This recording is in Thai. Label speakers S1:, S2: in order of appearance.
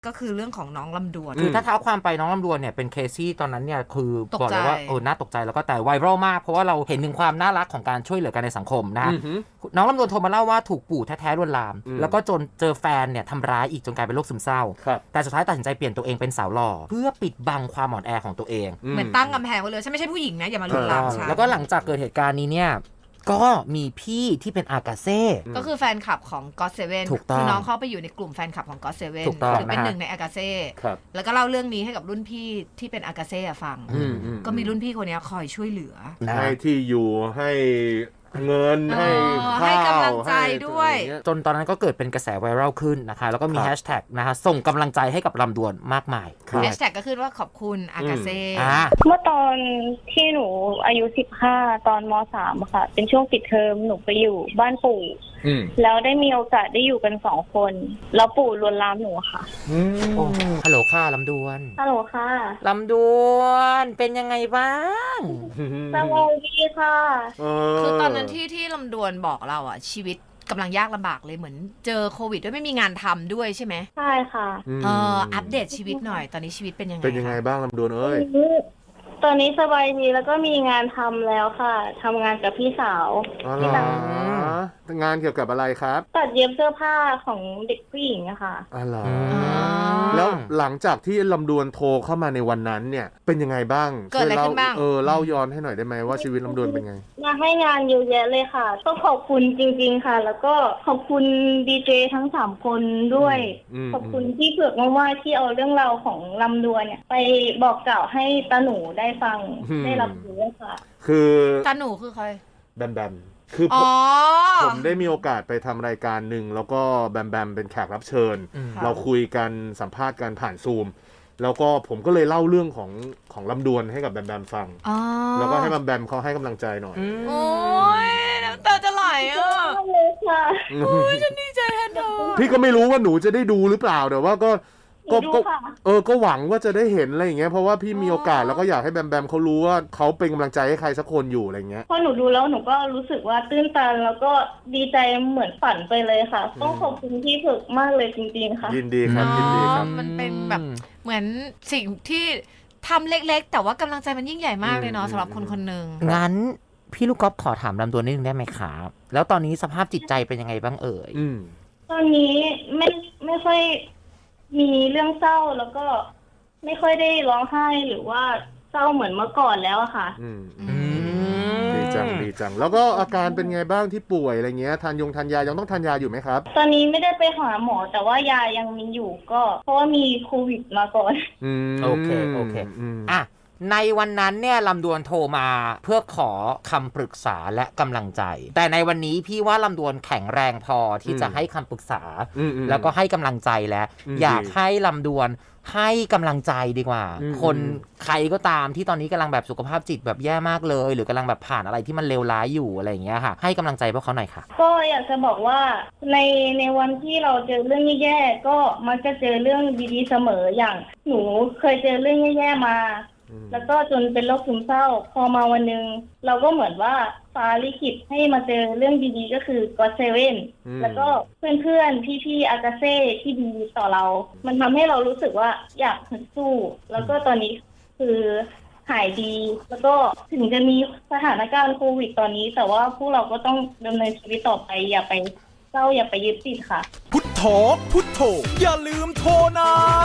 S1: ก็คือเรื่องของน้องลำดวน
S2: คือถ้าเท้าความไปน้องลำดวนเนี่ยเป็นเคสที่ตอนนั้นเนี่ยคือบอกเลยว่าน่าตกใจแล้วก็แต่ไวรัลมากเพราะว่าเราเห็นถึงความน่ารักของการช่วยเหลือกันในสังคมนะน้องลำดวนโทรมาเล่าว่าถูกปู่แท้ๆลวนลามแล้วก็จนเจอแฟนเนี่ยทำร้ายอีกจนกลายเป็นโรคซึมเศร้าแต่สุดท้ายตัดสินใจเปลี่ยนตัวเองเป็นสาวหล่อเพื่อปิดบังความอ่อนแอของตัวเอง
S1: เหมือนตั้งกำแพงไว้เลยฉันไม่ใช่ผู้หญิงนะอย่ามาลวนลามฉัน
S2: แล้วก็หลังจากเกิดเหตุการณ์นี้เนี่ยก็มีพี่ที่เป็นอากาเซ่
S1: ก็คือแฟนคลับของ God7 คือน้องเข้าไปอยู่ในกลุ่มแฟนคลับของ God7 หรือเป็นหนึ่งในอากาเซ่แล้วก็เล่าเรื่องนี้ให้กับรุ่นพี่ที่เป็นอากาเซ่ฟังก็มีรุ่นพี่คนนี้คอยช่วยเหลือ
S3: ให้ที่อยู่ให้เงินให้
S1: กำลังใจด้วย
S2: จนตอนนั้นก็เกิดเป็นกระแสไวรัลขึ้นนะคะแล้วก็มีแฮชแท็กนะคะส่งกำลังใจให้กับลำดวนมากมาย
S1: แฮชแท็กก็คือว่าขอบคุณอากาเซ่
S4: เมื่อตอนที่หนูอายุ15ตอนม3ค่ะเป็นช่วงปิดเทอมหนูไปอยู่บ้านปู่แล้วได้มีโอกาสได้อยู่กัน2 คนแล้วปู่ลวนลามหนูค่ะ
S2: ฮัลโหลค่ะลำดวน
S4: ฮัลโหลค่ะ
S2: ลำดวนเป็นยังไงบ้าง
S4: สบายดีค่ะ
S1: คือตอนนั้นที่ลำดวนบอกเราอ่ะชีวิตกำลังยากลำบากเลยเหมือนเจอโควิดด้วยไม่มีงานทำด้วยใช่ไหม
S4: ใช่ค่ะ
S1: อัปเดตชีวิตหน่อยตอนนี้ชีวิตเป็นยังไง
S3: บ้างลำดวนเอ้ย
S4: ตอนนี้สบายดีแล้วก็มีงานทำแล้วค่ะทำงานกับพี่สาว
S3: ที่ต่างงานเกี่ยวกับอะไรครับ
S4: ตัดเย็บเสื้อผ้าของเด็กผู้หญิงอะค่ะ
S3: แล้วหลังจากที่ลำดวนโทรเข้ามาในวันนั้นเนี่ยเป็นยังไงบ้าง
S1: เกิดอะไรขึ้นบ้าง
S3: เล่าย้อนให้หน่อยได้ไหมว่าชีวิตลำดวนเป็นไง
S4: มาให้งานเยอะแยะเลยค่ะต้องขอบคุณจริงๆค่ะแล้วก็ขอบคุณดีเจทั้ง3 คนด้วยขอบคุณที่เผือกมากๆที่เอาเรื่องราวของลำดวนเนี่ยไปบอกกล่าวให้ตาหนูได้ฟังได้รับรู้ค่ะ
S3: คือ
S1: ตาหนูคือใคร
S3: แบมคือผมได้มีโอกาสไปทำรายการหนึ่งแล้วก็แบมเป็นแขกรับเชิญเราคุยกันสัมภาษณ์กันผ่านซูมแล้วก็ผมก็เลยเล่าเรื่องของลำดวนให้กับแบมฟังแล้วก็ให้แบมเขาให้กำลังใจหน่อย
S1: โอ้ยน้ำตาจะไหลอ่ะโอ้ยฉันดีใจแทนเธอ
S3: พี่ก็ไม่รู้ว่าหนูจะได้ดูหรือเปล่าแต่ว่าก็หวังว่าจะได้เห็นอะไรอย่างเงี้ยเพราะว่าพี่มีโอกาสแล้วก็อยากให้แบมเขารู้ว่าเขาเป็นกำลังใจให้ใครสักคนอยู่อะไรเงี้ย
S4: พอหนูดูแล้วหนูก็รู้สึกว่าตื้นตันแล้วก็ดีใจเหมือนฝันไปเลยค่ะต้องขอบคุณพี่ฝึกมากเลยจริงๆค่ะ
S3: ยินดีครับ
S1: มันเป็นแบบเหมือนสิ่งที่ทำเล็กๆแต่ว่ากำลังใจมันยิ่งใหญ่มากเลยเนาะสำหรับคนคนหนึ่ง
S2: งั้นพี่ลูกก๊อฟขอถามลำดวนนิดนึงได้ไหมครับแล้วตอนนี้สภาพจิตใจเป็นยังไงบ้างเอ่ย
S4: ตอนนี้ไม่ค่อยมีเรื่องเศร้าแล้วก็ไม่ค่อยได้ร้องไห้หรือว่าเศร้าเหมือนเมื่อก่อนแล้วอะค่ะ
S3: ดีจังแล้วก็อาการเป็นไงบ้างที่ป่วยอะไรเงี้ยทานยายังต้องทานยาอยู่ไหมครับ
S4: ตอนนี้ไม่ได้ไปหาหมอแต่ว่ายายังมีอยู่ก็เพราะว่ามีโควิดมาก่อน
S2: โอเคอ่ะในวันนั้นเนี่ยลำดวนโทรมาเพื่อขอคำปรึกษาและกำลังใจแต่ในวันนี้พี่ว่าลำดวนแข็งแรงพอที่จะให้คำปรึกษาแล้วก็ให้กำลังใจแล้วอยากให้ลำดวนให้กำลังใจดีกว่าคนใครก็ตามที่ตอนนี้กำลังแบบสุขภาพจิตแบบแย่มากเลยหรือกำลังแบบผ่านอะไรที่มันเลวร้ายอยู่อะไรอย่างเงี้ยค่ะให้กำลังใจพวกเขาหน่อยค่ะ
S4: ก็อยากจะบอกว่าในวันที่เราเจอเรื่องแย่ๆก็มักจะเจอเรื่องดีๆเสมออย่างหนูเคยเจอเรื่องแย่ๆมาแล้วก็จนเป็นโรคซึมเศร้าพอมาวันนึงเราก็เหมือนว่าฟ้าลิขิตให้มาเจอเรื่องดีๆก็คือ God7 แล้วก็เพื่อนๆพี่ๆอากาเซ่ที่ดีต่อเรามันทำให้เรารู้สึกว่าอยากสู้แล้วก็ตอนนี้คือหายดีแล้วก็ถึงจะมีสถานการณ์โควิดตอนนี้แต่ว่าพวกเราก็ต้องดำเนินชีวิตต่อไปอย่าไปเศร้าอย่าไปยึดติดค่ะ
S5: พุทโธอย่าลืมโทรนะ